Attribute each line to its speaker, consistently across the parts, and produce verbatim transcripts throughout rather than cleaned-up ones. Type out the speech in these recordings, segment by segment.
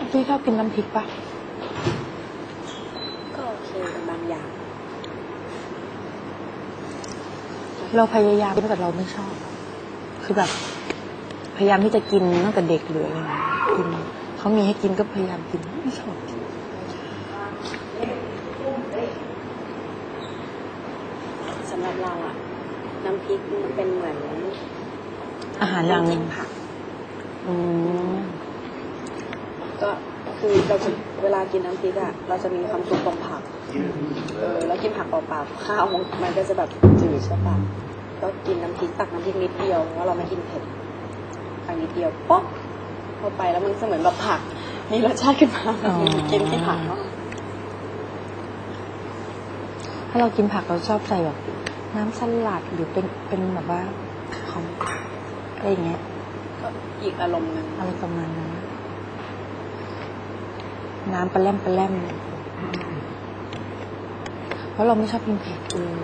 Speaker 1: พี่ชอบกินน้ำพริกปะ
Speaker 2: ก็โอเคเป็นบางอย่าง
Speaker 1: เราพยายามแต่เราไม่ชอบคือแบบพยายามที่จะกินตั้งแต่เด็กเลยกินเขามีให้กินก็พยายามกินไม่ชอบกิน
Speaker 2: สำหรับเราอะน้ำพริกมันเป็นเหมือน
Speaker 1: อาหารอย่างหนึ่ง
Speaker 2: ผัก
Speaker 1: อืม
Speaker 2: ก็คือเราจะเวลากินน้ำพริกอะเราจะมีความสุขตรงผักเออแล้วกินผักเปล่าๆข้าวมันก็จะแบบจืดใช่ปะก็กินน้ำพริกตักน้ำพริกนิดเดียวเพราะเราไม่กินเผ็ดตักนิดเดียวป๊อกเข้าไปแล้วมันเหมือนแบบผักมีรสชาติขึ้นมากินที่ผักเนาะ
Speaker 1: ถ้าเรากินผักเราชอบใส่แบบน้ำสลัดหรือเป็นเป็นแบบว่าของอะไรอย่างเงี้ย
Speaker 2: ก็อีกอารมณ์นึง
Speaker 1: อะไรประมาณนั้นน้ำปลาแรมปลาแรมเพราะเราไม่ชอบกินเผ็ดเลย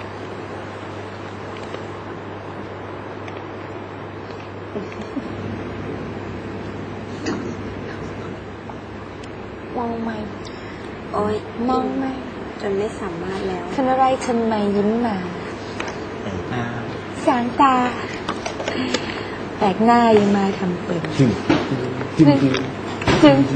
Speaker 1: มองไหม
Speaker 2: โอ้ย
Speaker 1: มองไหม
Speaker 2: จนไม่สามารถแล้ว
Speaker 1: ทำอะไรทำไมยิ้มมาสางตาแปลกหน้ายังมาทำเป็นจึงจึง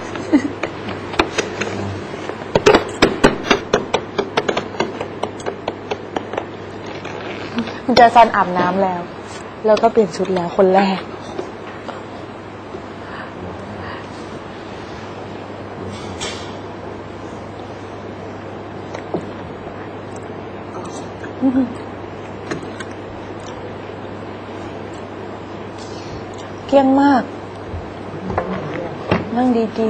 Speaker 1: คุณจะซันอาบน้ำแล้วแล้วก็เปลี่ยนชุดแล้วคนแรกเกลี้ยงมากนั่งดี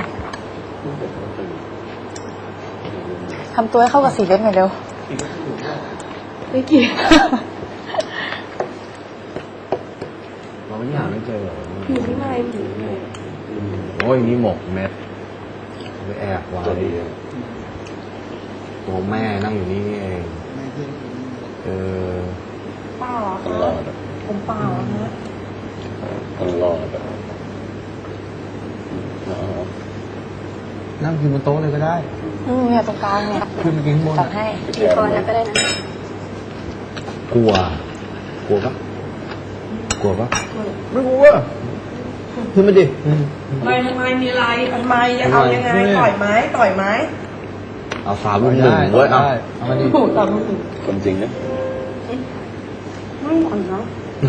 Speaker 1: ๆทำตัวให้เข้ากับสีเล็บหน่อยเร็วไม่เกี่ยว
Speaker 3: เราไม่หาไม่เจอหรอ
Speaker 2: อยู่ที่ไหนผี
Speaker 3: โอ้ยนี่หมกเม็ดไปแอบไว้ตัวแม่นั่งอยู่นี่เองเออ
Speaker 1: เปล่าตลอดผมเปล่านะ
Speaker 3: ตลอดนั่งกินบนโต๊ะเลยก็ได้
Speaker 1: อืมเนี่ยตรงกลางเนี่ย
Speaker 3: ขึ้นไปกินข้างบน
Speaker 1: ตัดให้
Speaker 2: กินคอแล้วก็ได้นะ
Speaker 3: กลัวกลัวปะกลัวปะไม่กลัวขึ้นมาดิ
Speaker 4: ไม่ทำไมมีอะไรทำไมจะเอายังไงต่อยไม้ต่อยไม้
Speaker 3: เอาสามลูกหนึ่งเว้ยเอาเอามาดิ
Speaker 4: ถูกตามลูกหนึ่ง
Speaker 3: คนจริงนะ
Speaker 2: ไม่หอนเนาะ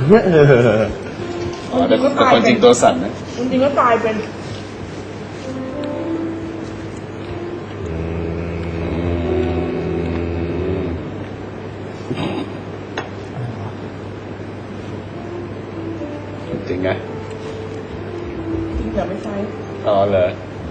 Speaker 3: แต่คนจริงตัวสั่นนะ
Speaker 4: จริงๆก็ตายเป็น
Speaker 3: จริงไง
Speaker 4: จริงอย่าไม่ใช่
Speaker 3: อ๋อเหรอ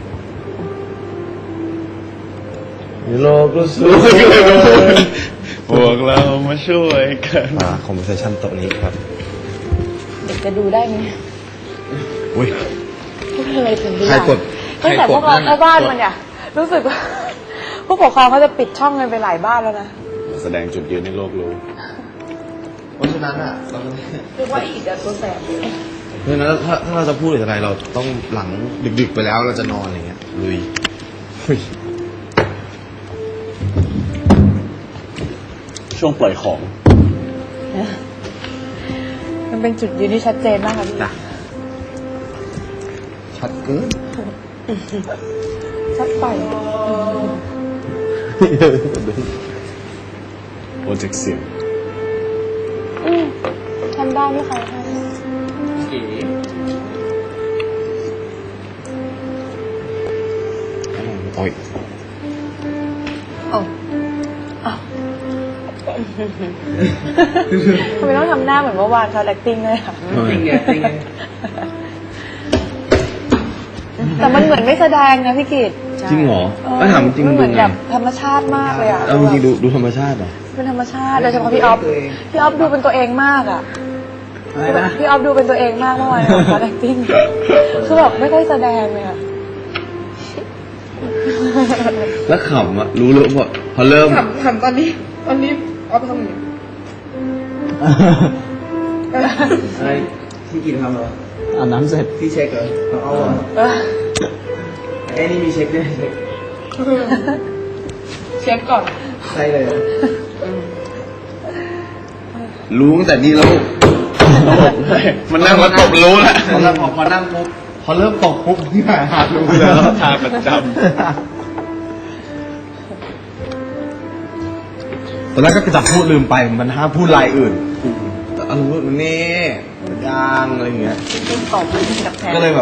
Speaker 3: โลกก็สวยพวกเรามาช่วยกันอ่าคอมเพรสชันโต๊ะนี้ครับ
Speaker 1: เด็กจะดูได้ไหม
Speaker 3: อุ้ย
Speaker 1: พวกอะไรถึงดู
Speaker 3: ใครกด
Speaker 1: ตั้งแต่พวกเราเข้าบ้านมันเนี่ยรู้สึกว่าผู้ปกครองเขาจะปิดช่องกันไปหลายบ้านแล้วนะ
Speaker 3: แสดงจุดยืนในโลกรู้เพราะฉะนั้นอ่ะเรา
Speaker 4: เรียกว่าอีกอะตัวแสบ
Speaker 3: เพราะฉะนั้นถ้าถ้าเราจะพูดอะไรเราต้องหลังดึกๆไปแล้วเราจะนอนอย่างเงี้ยลุยช่วงปล่อยของ
Speaker 1: มันเป็นจุดยืนที่ชัดเจนมากค่ะพี่
Speaker 3: ชัดเกิน
Speaker 1: ชัดไป
Speaker 3: โปรเจกต์เสียง
Speaker 1: ทำได้ไหมคะ
Speaker 3: โอ้ย
Speaker 1: โอ้ทำไมต้องทำหน้าเหมือนเมื่อวานเขาแอคติ้งเลยค่ะ
Speaker 4: จริงไงจริงไง
Speaker 1: แต่มันเหมือนไม่แสดงนะพี่กิต
Speaker 3: จริงเหรอก็ถามจริง
Speaker 1: เหมือนแบบธรรมชาติมากเลยอ่ะ
Speaker 3: เอาจริงดูดูธรรมชาติอ่ะ
Speaker 1: เป็นธรรมชาติโดยเฉพาะพี่ออฟพี่ออฟดูเป็นตัวเองมากอ่ะพี่ออฟดูเป็นตัวเองมากเมื่อวานเขาแอคติ้งคือแบบไม่ค่อยแสดงเลยอ่ะ
Speaker 3: แล้วขำอ่ะรู้เลยว่าพอเริ่ม
Speaker 4: ขำขำตอนนี้ตอนนี้ออฟทำอย่างนี้
Speaker 5: อะไรที่กินทำเหรอ
Speaker 3: อาบน้ำเสร็จ
Speaker 5: พี่เช็คเหรอเอา
Speaker 3: เอ้นี่มีเช็คด้วยเช็ค
Speaker 4: เช็คก่อน
Speaker 3: ใช่เลยรู้ตั้งแต่นี้แล้วมันนั่งแล้วตบรู้แล้วพอพอพอนั่งปุ๊บพอเริ่มตบปุ๊บที่หาหารู้แล้วทาประจำตอนแรกก็จะพูดลืมไปมันห้ามพูดลายอื่นแต่อารมณ์มันนี่มันยางอะไรอย่างเงี้ย
Speaker 4: ต้องตอบกับแทน
Speaker 3: ก็เลยแบบ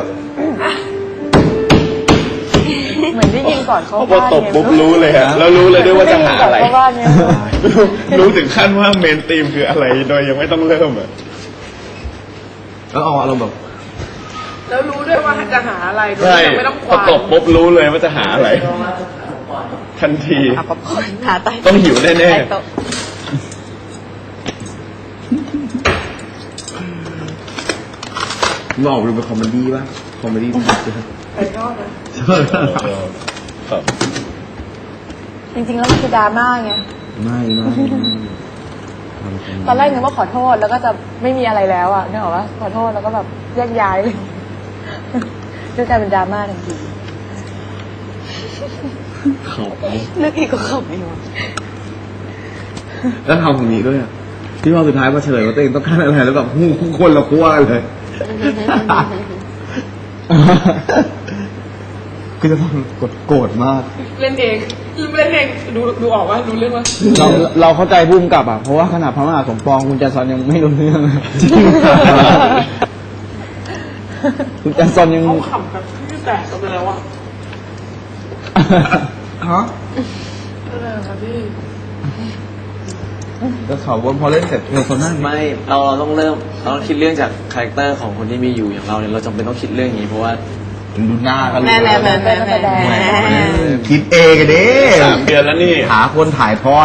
Speaker 1: เหมือนได้ยินก่อนเขา
Speaker 5: พอตบปุ๊บรู้เลยฮะแล้วรู้เลยด้วยว่าจะหาอะไร
Speaker 1: เพราะว่าเนี่ย
Speaker 5: รู้ถึงขั้นว่าเมนธีมคืออะไรโดยยังไม่ต้องเริ่มอ่ะ
Speaker 3: แล้วเอาอารมณ์แบบ
Speaker 4: แล้วรู้ด้วยว่าจะหาอะไรโดย
Speaker 5: ใช่
Speaker 4: ที่ไม่ต้องค
Speaker 5: พอ
Speaker 4: วาน
Speaker 5: ตบปุ๊บรู้เลยว่าจะหาอะไร ทันที
Speaker 1: เอาป๊อปคอร์นหาใต้
Speaker 5: ต้องหิวแน่ๆ
Speaker 1: ใต้โต๊ะ
Speaker 3: มึงออกดูเป็นคอมเมดี้ป่ะคอมเมดี้มันจะ
Speaker 4: ไปยอดนะ
Speaker 5: ครับ
Speaker 1: จริงๆแล้วมันคือดราม่าไง
Speaker 3: ไม่ไม่
Speaker 1: ตอนแรกนึกว่าขอโทษแล้วก็จะไม่มีอะไรแล้วอ่ะนึกออกว่าขอโทษแล้วก็แบบแยกย้ายเลยด้วยกลายเป็นดราม่าทันที
Speaker 3: เขา
Speaker 1: เลือกอีกก็ขำไม่หมด
Speaker 3: แล้วทำของนี้ด้วยอ่ะที่ว่าสุดท้ายมาเฉลยว่าตัวเองต้องการอะไรแล้วแบบหูคนละขั้วเลย คือจะต้องกดโกรธมาก
Speaker 4: เล่นเองเล่นเองดูดูออกว่ารู้เรื่องว่า
Speaker 6: เราเราเข้าใจภูมิกับอ่ะ เพราะว่าขนาดพระมหาสมปองคุณแจซอนยังไม่รู้เรื่องเลย คุณแจซอนยัง
Speaker 4: เขาขำแบบที่แตกกันไปแล้วอ่ะ
Speaker 3: ฮะ
Speaker 4: อะไรคะพี่
Speaker 3: ก็เขาว่าพอเล่นเสร็จเออคนนั้น
Speaker 7: ไม่เราเราต้องเริ่มเราต้องคิดเรื่องจากคาแรคเตอร์ของคนที่มีอยู่อย่างเราเนี่ยเราจำเป็นต้องคิดเรื่องนี้เพราะว่า
Speaker 3: ดูหน้ากันเลย
Speaker 1: แม่แม่แม่แม่แม่แม่
Speaker 3: คิดเองกันดิ
Speaker 5: สามเดือนแล้วนี่
Speaker 3: หาคนถ่ายทอด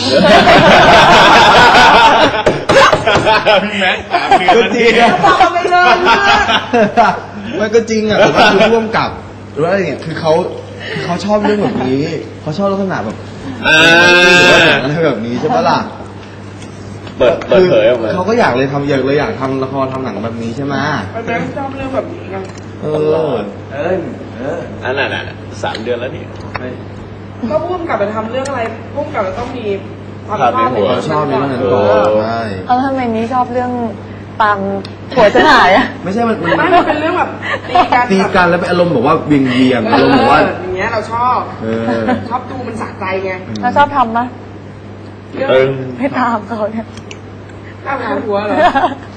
Speaker 5: พี่แม็กสามเดือนแล้วนี่
Speaker 4: บอกไปเลยมาก
Speaker 3: มันก็จริงอ่ะแต่ว่าคือร่วมกับหรือว่าอะไรเนี่ยคือเขาคือเขาชอบเรื่องแบบนี้เขาชอบลักษณะแบบ
Speaker 5: อ่า
Speaker 3: อะไรแบบนี้ใช่ปะล่ะ
Speaker 5: เปิดเปิดเผยออกมา
Speaker 3: เขาก็อยากเลยทำอยากเลยอยากทำละครทำหนังแบบนี้ใช่ไหม
Speaker 4: มันแม่งชอบเรื่องแบบนี้ไง
Speaker 3: เออ
Speaker 7: เอ้ยเออ
Speaker 5: อันนั้นน่ะสามเดือนแล้วนี่
Speaker 4: ก็พุ่มกลับไปทำเรื่องอะไรพุ่มกลับจะต้องมีความ
Speaker 5: ภาพในหัว
Speaker 3: ชอบเรื่องนั้นก่อนใช่
Speaker 1: เอาทำไมนี้ชอบเรื่องปังหัวจะหายอ่ะ
Speaker 3: ไม่ใช่มันมัน
Speaker 4: ไม่มันเป็นเรื่องแบบตีกัน
Speaker 3: ตีกันแล้วเป็นอารมณ์แบบว่าเวียงเวียงๆอารมณ์แบบว่า
Speaker 4: เอออย่างเงี้ยเราชอบ
Speaker 3: เออ
Speaker 4: ชอบดูมันสะใจไง
Speaker 1: เราชอบทำปะ
Speaker 4: เรื่อง
Speaker 5: เออ
Speaker 1: ไม่ตามเขาเนี่ย
Speaker 4: ข้าวหัวเหรอ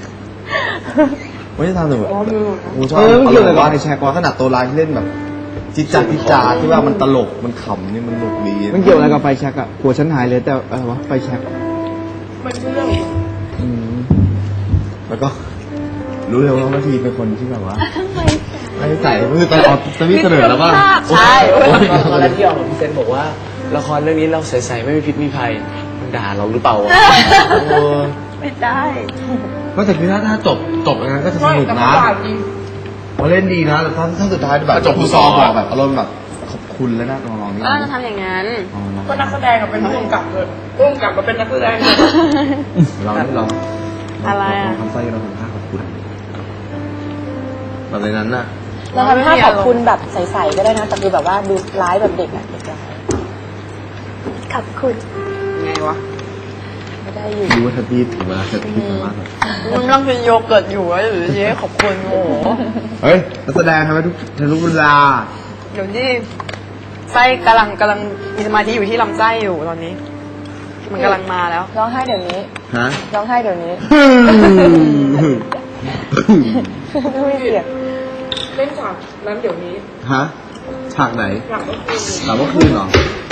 Speaker 3: ไม่ได้ทำแต่แบบ
Speaker 4: อ๋อมือ
Speaker 3: กูชอบอารมณ์แบบว่าในแชร์กอนขนาดตัวร้ายที่เล่นแบบจิจาจิจาที่ว่ามันตลกมันขำนี่มันหนุกดี
Speaker 6: มันเกี่ยวอะไรกับไฟแช็กอ่ะหัวฉันหายเลยแต่อะไรวะไฟแช็ก
Speaker 4: มันคือเรื่อง
Speaker 6: อืม
Speaker 3: แล้วก็ รู้เลยว่านาทีเป็นคนที่แบบว่าไม่ใส่คือตอนออกจะมีเสนอแล้วว่า
Speaker 1: ใช่
Speaker 7: ตอนแรกที่ออกมาพี่เซนบอกว่าละครเรื่องนี้เราใสๆไม่มีพิษมีภัยมันด่าเราหรือเปล่าวะ
Speaker 3: เออ
Speaker 1: ไม่ได้
Speaker 3: ก็แต่คือถ้าถ้าจบจบอย่างนั้นก็จะส
Speaker 4: ไม่
Speaker 3: นุก
Speaker 4: แต่
Speaker 3: นะ
Speaker 4: เขาด่าจริง
Speaker 3: เขาเล่นดีนะแต่ถ้าถ้าสุดท้ายแบบจบผู้ซองบอกแบบอารมณ์แบบขอบคุณแล้วนะน้องๆนี่
Speaker 1: ก็จะทำอย่างนั้น
Speaker 4: ก็นักแสดงกับเป็นผู้กำกับเลยผู้กำกับกับเป็นนักแสดงเลย
Speaker 3: เราเรา
Speaker 1: อะไรอะ
Speaker 3: ทำไส้เราทำท่าขอบคุณแบบในนั้นน่ะ
Speaker 1: เราทำท่าขอบคุณแบบใสๆก็ได้นะแต่คือแบบว่าดูร้ายแบบเด็กอ่ะเด็กร้ายขอบคุณ
Speaker 4: ไงวะ
Speaker 1: ไม่ได้อยู่
Speaker 3: รู้ว่าทัพพี่ถึงเวลาทัพพี่สามารถแบบ
Speaker 1: มึงต้องกินโยเกิร์ตอยู่วะหรือเย้ขอบคุณโอ้โห
Speaker 3: เฮ้ยนักแสดงทำให้ทุกทุกเวลา
Speaker 2: เดี๋ยวนี้ไส้กำลังกำลังมีสมาธิอยู่ที่ลำไส้อยู่ตอนนี้ มันกำลังมาแล้ว
Speaker 1: ร้องไห้เดี๋ยวนี้
Speaker 3: ฮะ
Speaker 1: ร้องไห้เดี๋ยวนี้ไม่เสียง
Speaker 4: เล่นฉากนั้นเดี๋ยวนี้
Speaker 3: ฮะฉากไหน
Speaker 4: หลังก็คือ
Speaker 3: ถามว่าคืนเหรอ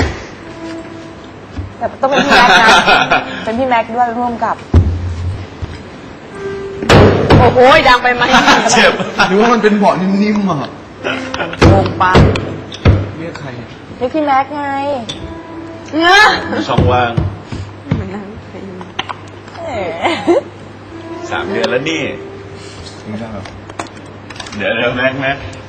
Speaker 1: แต่ต้องเป็นพี่แม็กซ์นะเป็นพี่แม็กซ์ด้วยร่วมกับ
Speaker 2: โอ้โหดังไปไหม
Speaker 5: เจ็บ
Speaker 3: หรือว่ามันเป็นเบาะนิ่มๆอ่ะ
Speaker 2: โงปัง
Speaker 3: เรียกใคร
Speaker 1: นี่พี่แม็กซ์ไง
Speaker 5: ช่องว่าง
Speaker 2: เหมือนนั้น
Speaker 1: แหม
Speaker 5: สามเดือนแล้วนี่
Speaker 3: ไม่ได้หรอ
Speaker 5: เดี๋ยวเดี๋ยวแม็กแม็ก